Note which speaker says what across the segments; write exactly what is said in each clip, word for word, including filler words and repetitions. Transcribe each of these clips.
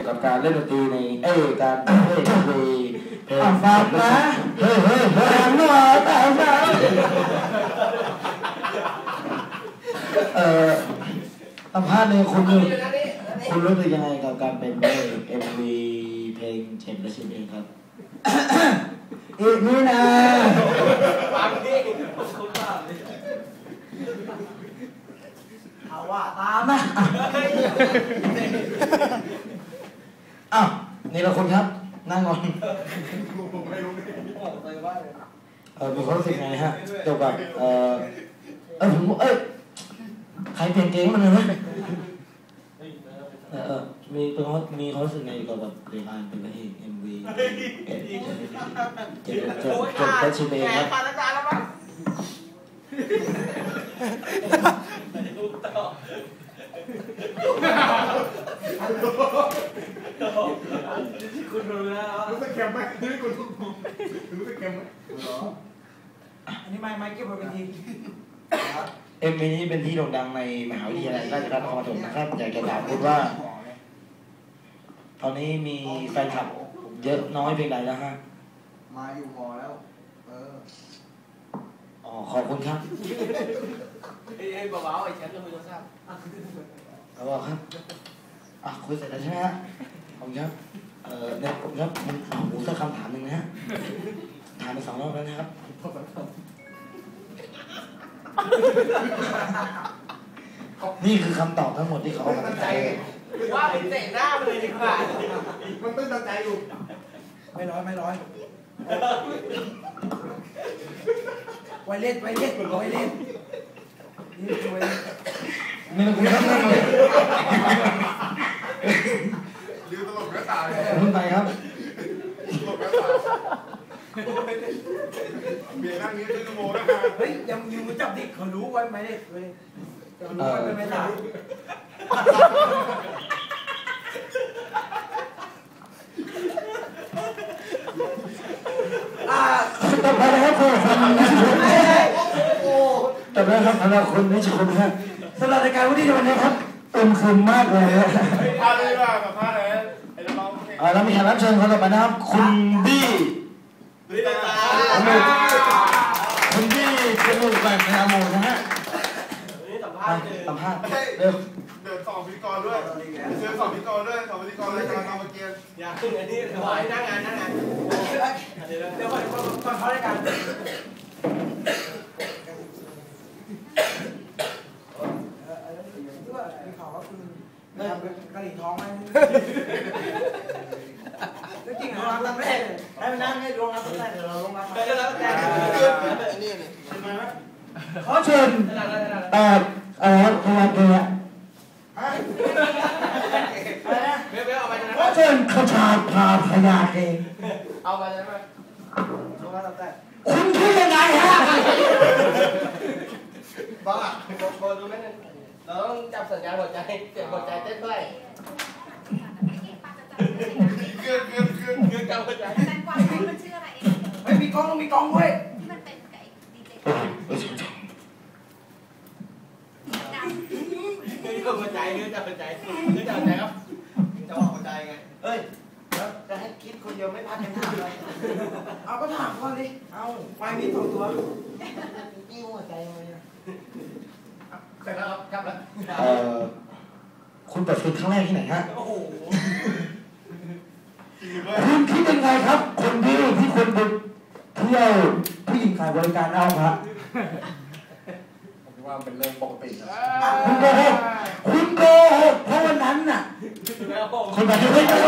Speaker 1: ยวกับการเล่นดนตรีในเอ้การเล่นดนตรีเพลง
Speaker 2: ฟังนะ
Speaker 1: เฮ้ยเฮ้ยเฮ้ย
Speaker 2: หน่อยแต่ฟัง
Speaker 1: เอ่อสัมภาษณ์เนี่ยคุณคุณรู้สึกยังไงกับการเป็นเอ็มวีเพลงเจ็บและชิมเองครับ
Speaker 2: อีกนี่นะ
Speaker 3: ฟังดิคุณบ้าเอาว่าตามนะ
Speaker 1: อ้าวนี่เราคนครับนั่งก่อนเออมีความรู้สึกไงฮะเกี่ยวกับเออเออผมเอ้ยใครเปลี่ยนเกงมันเลยนะเออมีเป็นเขามีความรู้สึกไงเกี่ยวกับเรื่องการเป็นพระเอกเอ็มวีเจ็บเจ็บเจ็บเจ็บและชิมเองครับ
Speaker 3: คุณรู้แล้ว
Speaker 4: รู้สึกเค็มไหมรู้สึกรู้สึกเค็มไหม
Speaker 3: อันนี้ไม่ไม่เก็บไว้เป็นที
Speaker 1: เอ็มวีนี้เป็นที่โด่งดังในมหาวิทยาลัยราชภัฏนครปฐมนะครับอยากจะถามคุณว่าตอนนี้มีแฟนคลับเยอะน้อยเพียงใดแล้วฮะ
Speaker 4: มาอยู่พอแล้วเออ
Speaker 1: อ๋อขอบคุณครับ
Speaker 3: ไอ้เบาๆไอ้ฉันก็ไม่รู้ทราบ
Speaker 1: เอาบอกครับอ่ะคุยเสร็จแล้วใช่ไหมฮะขอบคุณครับเอ่อเนี่ยผมครับมันเอาหูสักคำถามหนึ่งนะฮะถามไปสองรอบแล้วนะครับนี่คือคำตอบทั้งหมดที่เขาตั้งใจ
Speaker 3: ว่าเป็นเตะหน้าเลยดีกว่า
Speaker 4: มันต้องตั้งใจอยู่
Speaker 2: ไม่ร้อยไม่ร้อยไวเล่นไวเล่นไวเล่นนี่ไวเล่น
Speaker 1: นี่มันคือทั้งนั้นเลย
Speaker 4: ลืมตลกกระตาย
Speaker 1: คุณไปครับ
Speaker 4: ตลกกระตายเบียร์นั่งนี้ชั่วโมงแล้ว
Speaker 2: เฮ้ยยังยูจับดิเขารู้ไว้ไหมเนี่ยเลยเขารู้ไว้เป็นไม่ได้
Speaker 1: ต่อไปนะครับคุณต่อไปครับสำหรับคุณนิชคุณครับสำหรับรายการวันนี้วันนี้ครับเต็มคืนมากเลย
Speaker 4: พาเลยว่าแบบพาเลยไอ้น้อง
Speaker 1: เออแล้วมีแขกรับเชิญคนต่อไปนะครับคุณบี้คุณบี้เป็นลูกแบบในอาโมนะฮะสัมภาษณ์เร็ว
Speaker 4: เดินสองพิธีกรด้วยเชิญสองพิธีกรด้วยสองพิธีกรเลยการทำเมื่อกี้
Speaker 3: อย่าขึ้นอันนี้ขอให้นั่งงานนั่งงานเดี๋ยวเดี๋ยวก่อนก่อนเขาได้กัน
Speaker 2: กะหรี่ท้องไหมจริงเหรอลงรับแรกให้มันนั่งให้ลงรับแรกเดี๋ยวเราลงรับ
Speaker 3: เดี๋ยวเราแรกนี่นี่
Speaker 1: ขอเชิญเอ่อเอ่อพยาเกะขอเชิญขชาพาพยาเกะ
Speaker 3: เอาไปใช่ไหมลงรับแรก
Speaker 1: คุณคิดยังไงฮะ
Speaker 3: บ้าโบดูไม่ได้เราต้องจับสัญญาณหัวใจเสียงหัวใจเต้นด้วย
Speaker 4: เกินเกินเกิน
Speaker 3: เกินจับหัวใจ
Speaker 5: แตงกวามันชื่ออะไรเอง
Speaker 2: เฮ้ยมีกล้องมีกล้องเว้ย
Speaker 5: ที่มันเป็นไก่ดีเจ
Speaker 3: เกินหัวใจเกินจับหัวใจเกินจับหัวใจครับจะบอกหัวใจไงเฮ้ยแล้วจะให้คิดคนเดียวไม่พักกันถามเลย
Speaker 2: เอาก็ถามก่อนดิเอาไฟมีสองตัว
Speaker 3: กิ้วหัวใจเลยเสร็จแล้วครับกลับแล้ว
Speaker 1: เอ่อคุณเปิดฟิล์มครั้งแรกที่ไหนฮะ
Speaker 3: โอ้โห
Speaker 1: คุณคิดยังไงครับคนที่ที่คนไปเที่ยวผู้หญิงขายบริการเอาครับ
Speaker 4: ผมว่าเป็นเรื่องปกตินะ
Speaker 1: คุณโกหกคุณโกหกเพราะวันนั้นน่ะคนแบบนี้ไม่ได้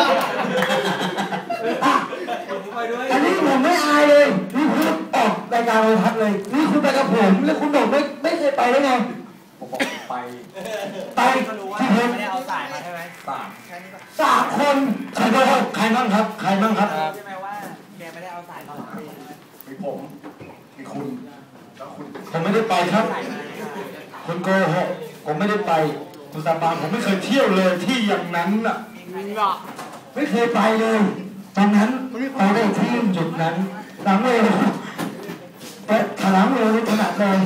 Speaker 1: อันนี้ผมไม่อายเลยนี่คุณออกรายการโทรทัศน์เลยนี่คุณไปกับผมแล้วคุณบอกไม่ไม่เคยไปได้ไง
Speaker 4: ผมบอกไป
Speaker 1: ไปที่เพชร
Speaker 3: ไม่ได้เอาสายมาใช่ไหม
Speaker 4: สาม
Speaker 1: สามคนใครบ้างใครบ้างครับใครบ้างครับ
Speaker 3: ใช่ไหมว่าแกไม่ได้เอาสายมาหรอก
Speaker 4: มีผมมีคุณแล้วคุณ
Speaker 1: ผมไม่ได้ไปครับคุณโกหกผมไม่ได้ไปคุณสาบานผมไม่เคยเที่ยวเลยที่อย่างนั้นน่ะไม่เคยไปเลยตอนนั้นไปได้ที่จุดนั้นหลังเลยแต่ขลังเลยขนาดเลย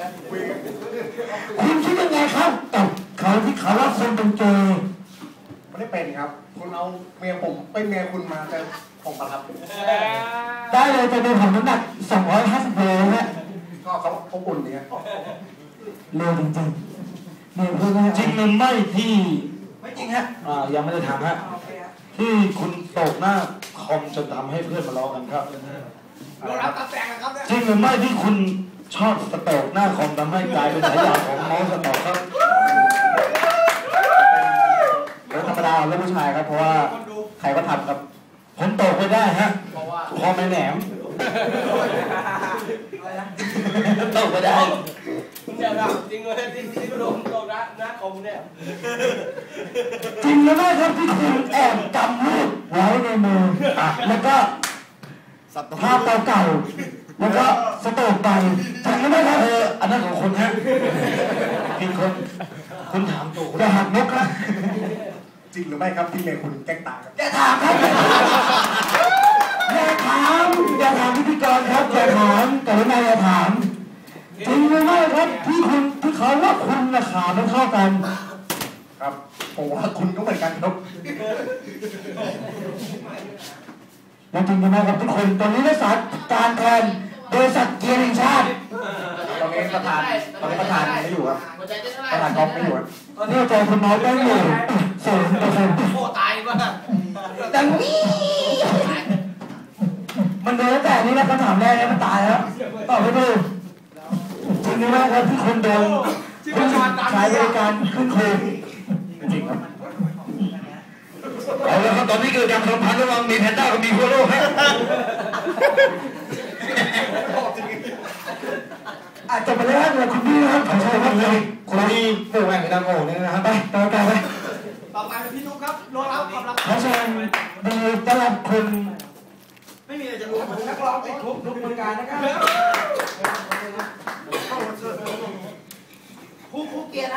Speaker 1: คุณคิดยังไงครับกับเขาที่เขาว่าคนเป็นเกย์
Speaker 6: ไม่ได้เป็นครับคุณเอาเมียผมเป็นเมียคุณมาแต่ผมประทับ
Speaker 1: ได้เลยจะเป็นผมน้ำหนักสองร้อยห้าสิบโลฮะ
Speaker 6: ก็เขาเขาอุ่นดีครับ
Speaker 1: เร็วจริงๆเนี่ยเพื่อนจริงหรือไม่ที่
Speaker 2: ไม่จริงฮะ
Speaker 1: อ่ายังไม่ได้ถามฮะ
Speaker 2: โอเคฮะ
Speaker 1: ที่คุณตกหน้าคอมจนทำให้เพื่อนมาล้อกันครับ
Speaker 2: เรารับตาแตงนะครับเนี่ย
Speaker 1: จริงหรือไม่ที่คุณชอบสโตกหน้าคอมทำให้กลายเป็นฉายาของเมาส์สโตกครับ
Speaker 6: เรื่องธรรมดาเรื่องผู้ชายครับเพราะว่าใครก็ทำครับ
Speaker 1: ผมตกไปได้ฮะ
Speaker 3: เพราะว่า
Speaker 1: คอไม่แหนม
Speaker 2: อะไรนะ
Speaker 1: ตกไปได้
Speaker 3: เดี๋ยวนะจริงเลยจริงที่โดนตรงนะหน้าคอมเนี่ย
Speaker 1: จริงหรือไม่ครับที่คุณแอบกำลูกไว้ในมืออ่ะแล้วก็ภาพเก่าๆแล้วก็สโตกไปจริงหรือไม่ครับเอออันนั้นของคนฮะผิดคนคุณถามตัวอย่าหักมุกนะ
Speaker 6: จริงหรือไม่ครับที่เมียคุณแกล้งตายครับ
Speaker 1: อย่าถามครับอย่าถามอย่าถามพิธีกรครับอย่าถามแต่ว่าอย่าถามจริงหรือไม่ครับที่คุณที่เขาว่าคุณราคาไม่เท่ากัน
Speaker 6: ครับผมว่าคุณก็เหมือนกันครับ
Speaker 1: และจริงหรือไม่ครับทุกคนตอนนี้ได้สารการแทนบริษัทเกียร์แห่งชาติ
Speaker 6: ตอนนี้ประธานตอนนี้ประธานไม่อยู่ครับ
Speaker 3: หัวใจเต้นเท่าไห
Speaker 6: ประธานก๊อฟไม่อยู่ครับ
Speaker 1: ตอนนี้ใจคุณน้อยได้อยู่ศูนย์เปอร์เซ็นต์
Speaker 3: โอ้ตายป่ะ
Speaker 1: ดังนี้มันโดนตั้งแต่นี้นะคำถามแรกเนี่ยมันตายแล้วตอบไม่ถูกจริงหรือไม่ครับที่คนโดนใช้บริการขึ้นโคมจริงครับเอาละครับตอนนี้เกิดการสัมพันธ์ระหว่างมีแพนด้ากับมีโคโร่ฮะอาจจะไปเล่นกับคุณพี่นะครับขอใช้ครับเลยคุณพี่ผู้แข่งในทางโง่เนี่ยนะครับไปต่อไปไป
Speaker 2: ต่อไปเป็นพี่นุ๊กครับรอรับความรับ
Speaker 1: ขอเชิญดีต้อนรับคุณ
Speaker 3: ไม่มีอะไรจะรู้
Speaker 2: นักร้องติดคุกนุ๊กบริการนะครับ